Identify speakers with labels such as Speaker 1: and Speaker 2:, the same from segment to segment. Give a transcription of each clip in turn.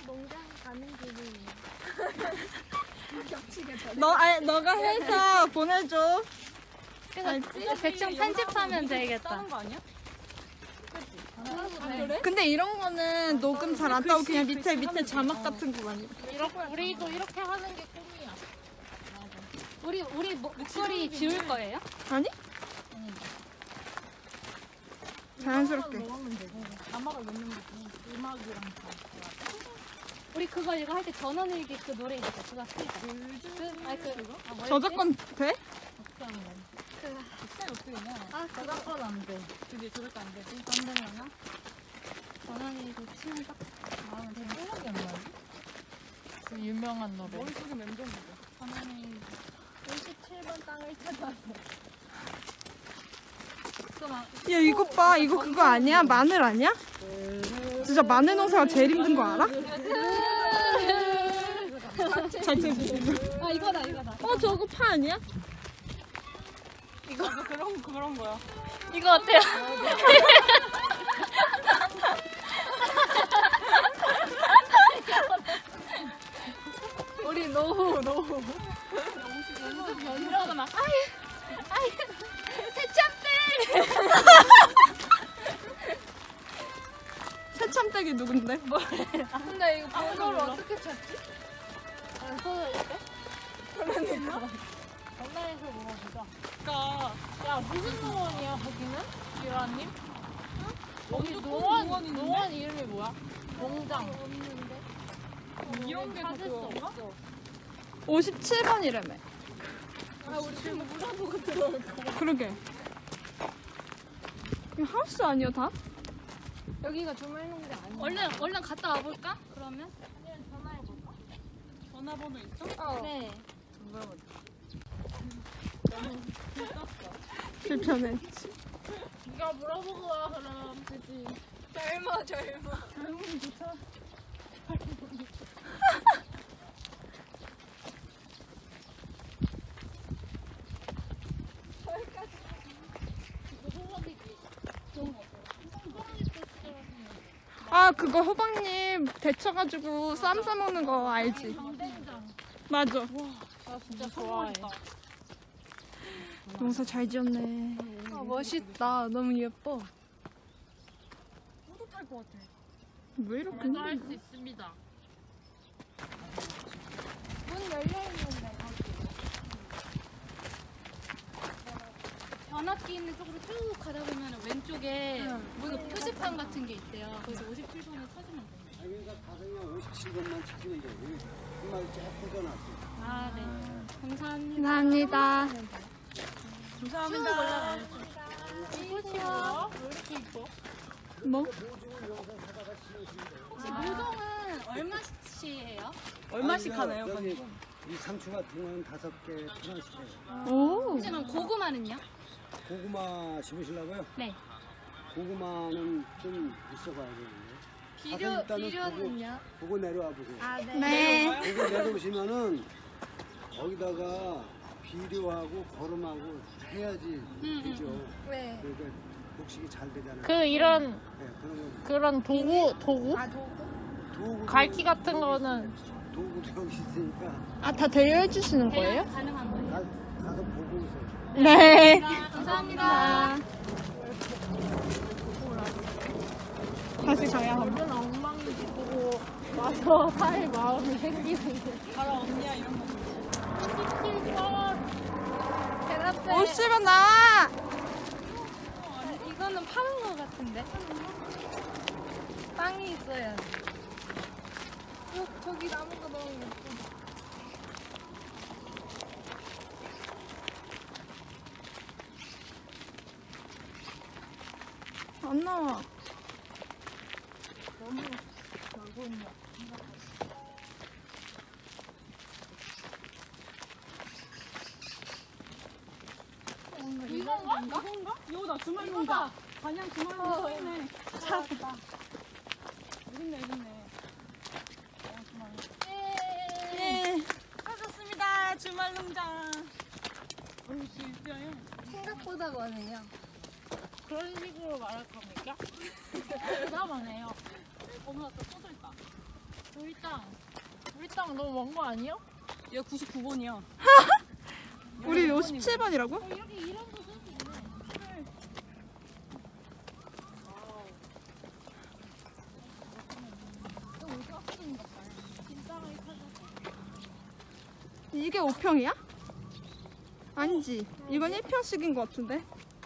Speaker 1: 농장 가는 길이. 겹치게 저.
Speaker 2: 너가 해서 보내줘.
Speaker 3: 그래서 대충 편집하면 되겠다.
Speaker 4: 다른 거 아니야?
Speaker 1: 그래?
Speaker 2: 근데 이런 거는 녹음 잘 안 따고 그냥 밑에 자막 같은 거 많이.
Speaker 3: 우리도 이렇게 하는 게 꿈이야. 우리 목소리 지울 거예요?
Speaker 2: 아니? 자연스럽게.
Speaker 4: 자막을 넣는 거지. 음악이랑 다.
Speaker 3: 우리 그거 이거 할 때 전원일기 그 노래 있어. 그거 쓰자.
Speaker 2: 저작권 돼?
Speaker 4: 어떻게 하는 거야? 스타일 어떻게 되냐? 저작권 안 돼. 그게 저작권 안 되지? 안 되려나?
Speaker 3: 전원일기 치면 딱 나오면 되는 거.
Speaker 4: 생각이 안 나지? 그 유명한 노래. 머릿속에 맴도는 거.
Speaker 3: 전원일기.
Speaker 1: 57번 땅을 찾아서.
Speaker 2: 야 이거 봐. 이거 그거 아니야? 마늘 아니야? 진짜 마늘 농사가 제일 힘든 거 알아? 자체
Speaker 3: 아 이거다.
Speaker 2: 저거 파 아니야?
Speaker 4: 이거 그런 거야.
Speaker 3: 이거 어때요?
Speaker 1: 우리 노후.
Speaker 3: 이러고 막 아이 새참들.
Speaker 2: 새참댁이 누군데?
Speaker 1: 근데 이거 번호를 어떻게 찾지?
Speaker 3: 전화해서 물어보자.
Speaker 4: 그러니까 야 무슨 농원이야 거기는? 유라님? 거기 농원 이름이 뭐야? 농장. 이런 게
Speaker 3: 찾을 수
Speaker 4: 그거인가?
Speaker 3: 없어.
Speaker 2: 57번이라며.
Speaker 1: 우리 지금 물어보고 들어올 거야.
Speaker 2: 그러게. 이거 하우스 아니야 다?
Speaker 1: 여기가 주말 농장 아니야?
Speaker 3: 얼른 갔다 와볼까? 그러면?
Speaker 4: 전화번호 있어?
Speaker 3: 네.
Speaker 2: 불편해.
Speaker 4: 네가 물어보고 와 그럼 되지.
Speaker 1: 젊어.
Speaker 2: 아 그거 호박잎 데쳐가지고 쌈 싸먹는 거 알지? 맞아.
Speaker 4: 나 진짜 좋아해.
Speaker 2: 농사 잘 지었네.
Speaker 1: 아, 멋있다. 너무 예뻐.
Speaker 4: 뿌듯할 것 같아.
Speaker 2: 왜 이렇게
Speaker 3: 할 수
Speaker 2: 힘들어?
Speaker 3: 있습니다.
Speaker 1: 문 열려있는데,
Speaker 3: 변압기 있는 쪽으로 쭉 가다 보면 왼쪽에 무슨 표지판 같은 게 있대요. 거기서 57번을 찾으면 돼요.
Speaker 5: 그러니까 가성이 57번만 찾으면 돼. 정말 조금 더 낫지.
Speaker 3: 아, 네. 감사합니다.
Speaker 2: 감사합니다.
Speaker 4: 감사합니다.
Speaker 3: 이거요.
Speaker 4: 왜 이렇게 이뻐?
Speaker 2: 뭐?
Speaker 3: 혹시 모종은 얼마씩이에요?
Speaker 4: 얼마씩 하나요?
Speaker 5: 여기 이 상추 같은 건 5개 하나씩 해요.
Speaker 2: 오.
Speaker 3: 하지만 고구마는요?
Speaker 5: 고구마 심으시려고요?
Speaker 3: 네.
Speaker 5: 고구마는 좀 있어봐야 되는데.
Speaker 1: 비료는요?
Speaker 5: 보고 내려와 보세요.
Speaker 1: 아, 네.
Speaker 2: 네.
Speaker 5: 보고 내려오시면은 거기다가 비료하고 거름하고 해야지 되죠.
Speaker 1: 네.
Speaker 5: 그러니까 곡식이 잘 되잖아요.
Speaker 4: 그 이런
Speaker 5: 네,
Speaker 4: 그런 도구?
Speaker 1: 아, 도구?
Speaker 5: 도구
Speaker 4: 갈퀴 같은 거는
Speaker 5: 도구도 여기 있으니까
Speaker 2: 아 다 대여해 주시는 거예요?
Speaker 3: 가능한 거예요?
Speaker 5: 가서 보고 오세요.
Speaker 2: 네.
Speaker 3: 감사합니다.
Speaker 2: 다시 가야 합니다.
Speaker 4: 완전 엉망인지 보고 와서 살 마음이 생기는 게 바로 언니야 이런 거.
Speaker 1: 대답해.
Speaker 2: 50원 나와.
Speaker 1: 이거는 파는 거 같은데? 빵이 있어야 돼. 저기 나무가 너무 예쁘다.
Speaker 2: 안 나와.
Speaker 4: 너무 놀고 있냐. 이건가? 이거 나 주말 농가. 반양 주말 농가 있네. 찾았다. 있네. 주말 농가.
Speaker 2: 예.
Speaker 4: 찾았습니다. 주말 농장. 진짜요?
Speaker 1: 생각보다 많네요.
Speaker 4: 그런 식으로 말할 겁니까? 대담하네요. 어머나 또 쏟을까?
Speaker 3: 저 일단
Speaker 1: 우리 땅 너무 먼 거 아니야?
Speaker 4: 얘 99번이야.
Speaker 2: 우리 57번이라고?
Speaker 3: 이렇게 이름도 쓸 수 있네.
Speaker 2: 이게 5평이야? 아니지. 이건 1평씩인 것 같은데.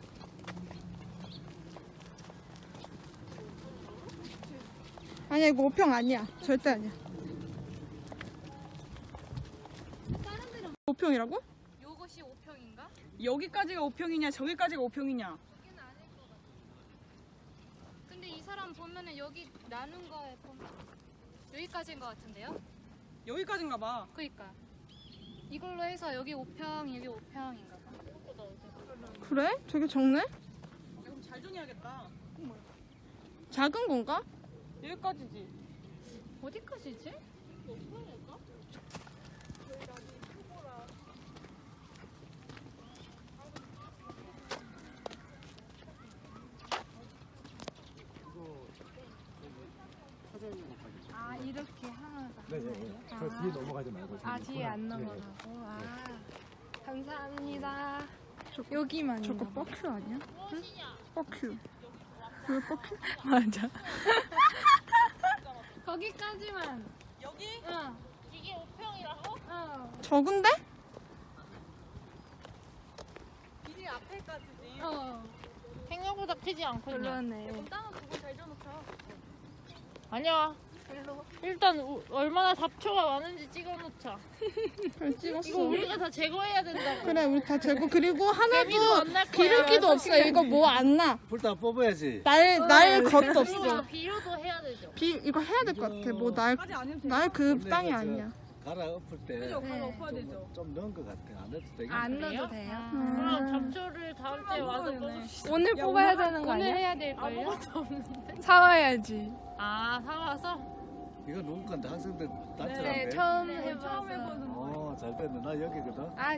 Speaker 2: 아니야, 이거 5평 아니야. 절대 아니야. 5평이라고?
Speaker 3: 요것이 5평인가?
Speaker 4: 여기까지가 5평이냐 저기까지가 5평이냐.
Speaker 3: 여기는 아닐 것 같아. 근데 이 사람 보면은 여기 나눈 거에 보면 여기까지인 것 같은데요?
Speaker 4: 여기까지인가 봐.
Speaker 3: 그니까 이걸로 해서 여기 5평, 여기 5평인가 봐.
Speaker 2: 그래? 되게 적네?
Speaker 4: 그럼 잘 정해야겠다.
Speaker 2: 작은 건가?
Speaker 4: 여기까지지.
Speaker 3: 어디까지지?
Speaker 1: 아 이렇게 하나가.
Speaker 5: 네네. 저 뒤에 넘어가지 말고.
Speaker 1: 아 뒤에 안 넘어가고. 아 감사합니다. 여기만.
Speaker 2: 저거 뻑큐 아니야? 응? 뻑큐. 왜 뻑큐?
Speaker 1: 맞아. 거기까지만.
Speaker 4: 여기?
Speaker 1: 응.
Speaker 3: 이게 5평이라고?
Speaker 1: 어.
Speaker 2: 적은데?
Speaker 4: 길이 앞에까지지.
Speaker 1: 어.
Speaker 3: 생각보다 크지 않거든요.
Speaker 1: 그러네.
Speaker 4: 땅은 보고 잘 줘놓자.
Speaker 3: 아니야. 일단 얼마나 잡초가 많은지 찍어놓자.
Speaker 2: 잘 찍었어.
Speaker 3: 이거 우리가 다 제거해야 된다고.
Speaker 2: 그래, 우리 다 재고. 그리고
Speaker 3: 개미도
Speaker 2: 하나도
Speaker 3: 안 날 거야.
Speaker 2: 기름기도 없어. 이거 뭐 안 나.
Speaker 5: 불다 뽑아야지.
Speaker 2: 날 것도
Speaker 3: 이거
Speaker 2: 없어.
Speaker 3: 비료도 해야 되죠.
Speaker 2: 이거 해야 될 것 같아. 뭐
Speaker 4: 까지 안 해도 돼.
Speaker 2: 날 그
Speaker 5: 원래
Speaker 2: 땅이
Speaker 5: 저
Speaker 2: 아니야.
Speaker 5: 갈아 엎을 때
Speaker 4: 그죠?
Speaker 1: 네.
Speaker 4: 바로 엎어야 되죠.
Speaker 5: 좀 넣은 것 같아. 안 해도 되겠네.
Speaker 1: 안
Speaker 3: 그래요?
Speaker 1: 넣어도 돼요?
Speaker 3: 그럼 잡초를 다음 주에 와서
Speaker 4: 먹어야 되네.
Speaker 3: 뽑읍시다.
Speaker 1: 오늘
Speaker 4: 야,
Speaker 1: 뽑아야
Speaker 4: 오늘
Speaker 1: 되는 거
Speaker 3: 오늘
Speaker 1: 아니야?
Speaker 3: 해야 될걸요? 아무것도 없는데.
Speaker 1: 사와야지.
Speaker 3: 아 사와서?
Speaker 5: 이거 누구 건데 학생들 단체라며.
Speaker 1: 네, 처음
Speaker 4: 처음
Speaker 1: 해봐서.
Speaker 4: 해보는
Speaker 5: 잘 됐네. 나 여기거든.
Speaker 1: 아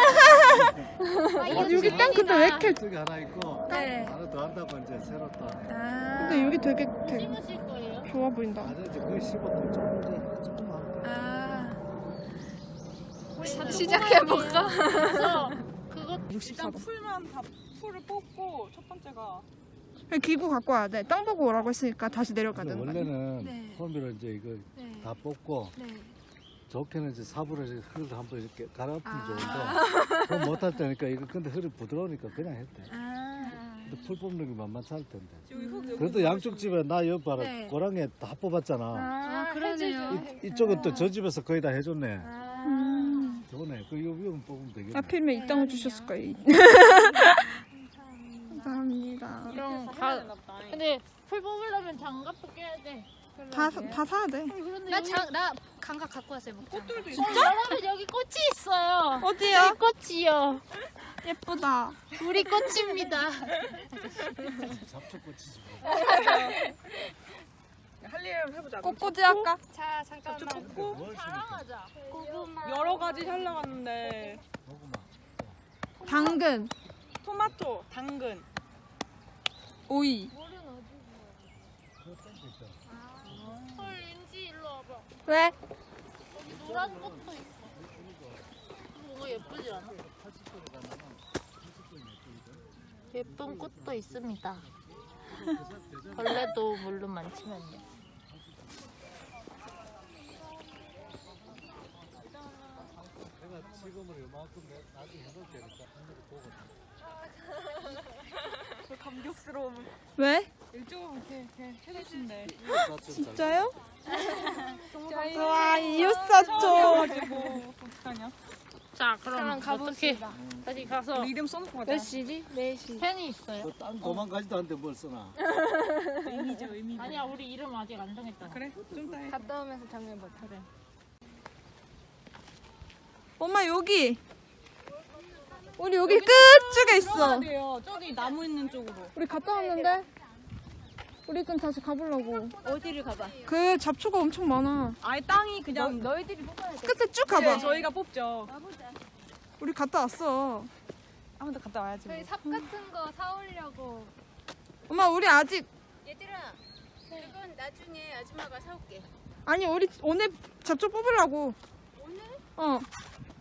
Speaker 1: 진짜?
Speaker 2: 여기 땅 근데 왜 이렇게.
Speaker 5: 저기 하나 있고
Speaker 1: 네.
Speaker 5: 하나 더 한다고 이제 새로 또 하네.
Speaker 1: 아.
Speaker 2: 근데 여기 되게
Speaker 3: 심으실 거예요?
Speaker 2: 좋아 보인다.
Speaker 5: 아니 이제 거의 15도 조금만.
Speaker 1: 아.
Speaker 3: 우리
Speaker 1: 시작해볼까?
Speaker 3: 그래서 그거
Speaker 4: 일단 풀을 뽑고 첫 번째가
Speaker 2: 기구 갖고 와야 돼. 땅 보고 오라고 했으니까 다시 내려가야
Speaker 5: 근데
Speaker 2: 되는 거 아니야?
Speaker 5: 원래는
Speaker 1: 네.
Speaker 5: 홈비로 이제 이거
Speaker 1: 네.
Speaker 5: 다 뽑고
Speaker 1: 네.
Speaker 5: 좋게는 이제 삽으로 이제 흙을 한번 이렇게 갈아엎으면
Speaker 1: 아.
Speaker 5: 좋은데 그건 못할 때니까 이거 근데 흙이 부드러우니까 그냥 했대.
Speaker 1: 아.
Speaker 5: 근데 풀 뽑는 게 만만치 않을 텐데.
Speaker 4: 여기 흙 여기
Speaker 5: 그래도 양쪽 집에 나 여기 봐라
Speaker 1: 네.
Speaker 5: 고랑에 다 뽑았잖아.
Speaker 1: 아, 그러네요.
Speaker 5: 이쪽은 또 저 집에서 거의 다 해줬네.
Speaker 1: 아.
Speaker 5: 좋네. 그 여기만 뽑으면 되겠네.
Speaker 2: 하필이면 이 땅을 주셨을 거예요. 감사합니다.
Speaker 3: 이런
Speaker 4: 해야
Speaker 3: 가
Speaker 4: 되나 보다.
Speaker 3: 근데 풀 뽑으려면 장갑도 껴야 돼.
Speaker 2: 다 사야 돼.
Speaker 3: 그런데 나 장갑 갖고 왔어요.
Speaker 4: 꽃들도 있어.
Speaker 3: 여러분 여기 꽃이 있어요.
Speaker 2: 어디요?
Speaker 3: 꽃이요.
Speaker 2: 예쁘다.
Speaker 3: 우리 꽃입니다.
Speaker 5: 잡초꽃이지.
Speaker 4: 할 일을 해보자.
Speaker 2: 꽃꽂이 할까?
Speaker 1: 자, 잠깐만.
Speaker 4: 뽑고
Speaker 5: 뭘
Speaker 3: 자랑하자. 고구마.
Speaker 4: 여러 가지 살려갔는데
Speaker 5: 고구마.
Speaker 2: 당근,
Speaker 4: 토마토, 당근.
Speaker 2: 오이.
Speaker 3: 물은 어디?
Speaker 5: 그거 땡겨 있어.
Speaker 3: 헐 윤지 일로 와봐.
Speaker 2: 왜?
Speaker 3: 여기 노란 꽃도 있어. 뭔가 예쁘지 않아? 예쁜 꽃도 있습니다. 벌레도 물론 많지만요.
Speaker 5: 내가 지금은 이만큼 나중에 해놓을 테니까 한번 보고.
Speaker 4: 저 감격스러움.
Speaker 2: 왜?
Speaker 4: 이쪽으로 이렇게 해주신대.
Speaker 2: 진짜요? 와, 이웃사촌.
Speaker 4: 가지고 어떡하냐?
Speaker 3: 자 그럼
Speaker 1: 그럼
Speaker 3: 어떻게
Speaker 1: 가봅시다.
Speaker 3: 다시 가서
Speaker 4: 우리 이름 써놓고 가자.
Speaker 1: 몇 시지? 4시.
Speaker 3: 펜이 있어요?
Speaker 5: 그딴 도망가지도 않는데 뭘 써놔.
Speaker 4: 의미죠, 의미.
Speaker 3: 아니야 우리 이름 아직 안 정했잖아.
Speaker 4: 그래? 좀 이따 해.
Speaker 1: 갔다 오면서 정해보자.
Speaker 3: 그래.
Speaker 2: 엄마 여기. 우리 여기 끝쪽에 있어.
Speaker 4: 돼요. 저기 나무 있는 쪽으로.
Speaker 2: 우리 갔다 왔는데. 우리 좀 다시 가보려고.
Speaker 1: 어디를 가봐?
Speaker 2: 그 잡초가 엄청 많아.
Speaker 4: 아예 땅이 그냥
Speaker 1: 너희들이 뽑아야 돼.
Speaker 2: 끝에 쭉
Speaker 4: 네,
Speaker 2: 가봐.
Speaker 4: 저희가 뽑죠.
Speaker 2: 우리 갔다 왔어.
Speaker 4: 아 근데 갔다 와야지. 뭐.
Speaker 1: 저희 삽 같은 거 사오려고.
Speaker 2: 엄마 우리 아직
Speaker 6: 얘들아, 이건 나중에 아줌마가 사올게.
Speaker 2: 아니 우리 오늘 잡초 뽑으려고.
Speaker 3: 오늘?
Speaker 2: 어.